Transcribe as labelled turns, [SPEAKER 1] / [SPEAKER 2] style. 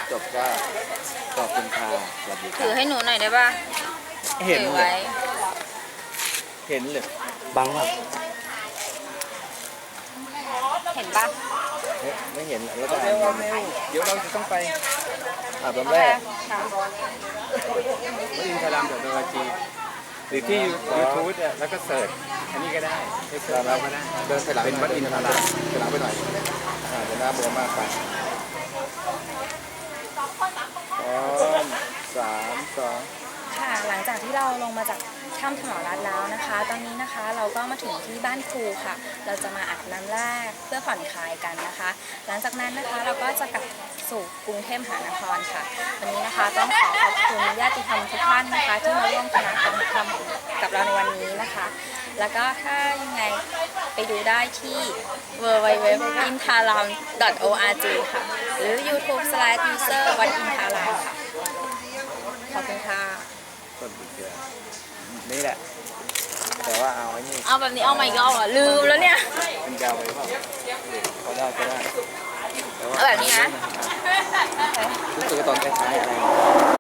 [SPEAKER 1] จบก็ขอบคุณค่ะสวัสดีค
[SPEAKER 2] ถื
[SPEAKER 1] รั
[SPEAKER 2] อบ ให้หนูหน่อยได้ป่ะ
[SPEAKER 1] เห็น
[SPEAKER 2] ถือ
[SPEAKER 1] เล
[SPEAKER 2] ไว้
[SPEAKER 1] ยเห็นเลยบังอ่ะ
[SPEAKER 2] เห็นป่ะ
[SPEAKER 1] ไม่เห็นแล้วก็
[SPEAKER 3] เร็วเดี๋ยวเราจะต้องไป
[SPEAKER 1] อาบ
[SPEAKER 2] โอ
[SPEAKER 1] น้ำ
[SPEAKER 2] เค
[SPEAKER 1] แรก
[SPEAKER 2] ค่ะ
[SPEAKER 3] วัดอินทรามเดอะโนวาจีหรือที่ยูทูบเนี่ยแล้วก็เสิร์ชอันนี้ก็ได้ไปเสิร์ชเราก็ได้
[SPEAKER 1] เดินไปหลัง
[SPEAKER 3] เป็นวัดอินทราม
[SPEAKER 1] ไปหลังไปหน่อยเดี๋ยวหน้าบวมมากไปพร้อม3 2
[SPEAKER 2] ค่ะหลังจากที่เราลงมาจากถ้ำถนอรัตน์แล้วนะคะ ตอนนี้นะคะเราก็มาถึงที่บ้านครูค่ะ เราจะมาอาบน้ำแรกเพื่อผ่อนคลายกันนะคะ หลังจากนั้นนะคะเราก็จะกลับสู่กรุงเทพมหานครค่ะ วันนี้นะคะต้องขอขอบคุณญาติธรรมทุกท่านนะคะที่มาร่วมคณะกรรมธรรมกับเราในวันนี้นะคะ แล้วก็ถ้ายังไงไปดูได้ที่ www.intaram.org ค่ะ หรือ YouTube/user วัดอินทารามค่ะ ขอบคุณค่ะ
[SPEAKER 1] ต้นปีเกลือนี่แหละ แต่ว่าเอาไอ้นี่
[SPEAKER 2] เอาแบบนี้เอามาอีกรอบอ่ะลืมแล้วเนี่ย
[SPEAKER 1] เป็นยาวไปเปล่าก็ได้ก็ได้แต่ว่า
[SPEAKER 2] เอาแบบนี้นะ
[SPEAKER 1] รู้สึกว่าตอนคล้ายๆอะไร